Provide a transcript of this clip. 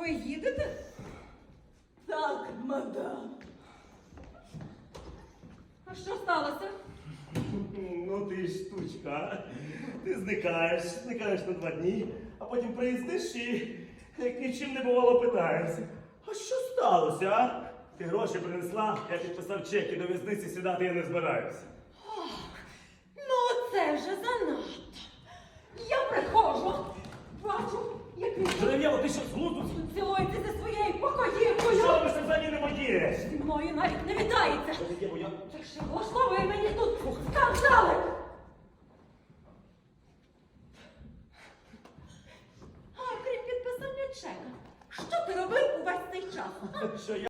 Ви їдете? Так, мадам. А що сталося? Ну ти ж штучка. Ти зникаєш на 2 дні, а потім приїздиш і як нічим не бувало питаєшся. А що сталося, а? Ти гроші принесла, я підписав чек і до в'язниці сідати я не збираюся. Ну, це вже занадто. Я приходжу, бачу, як він Жерев'єво, ти що, з глузду? цілується зі своєю покоївкою. Що ви взагалі не моє? Зі мною навіть не вітається. Жерев'єво, я... Так що влаштовує мені тут скандали. А крім підписання чека, що ти робив увесь цей час? Що я?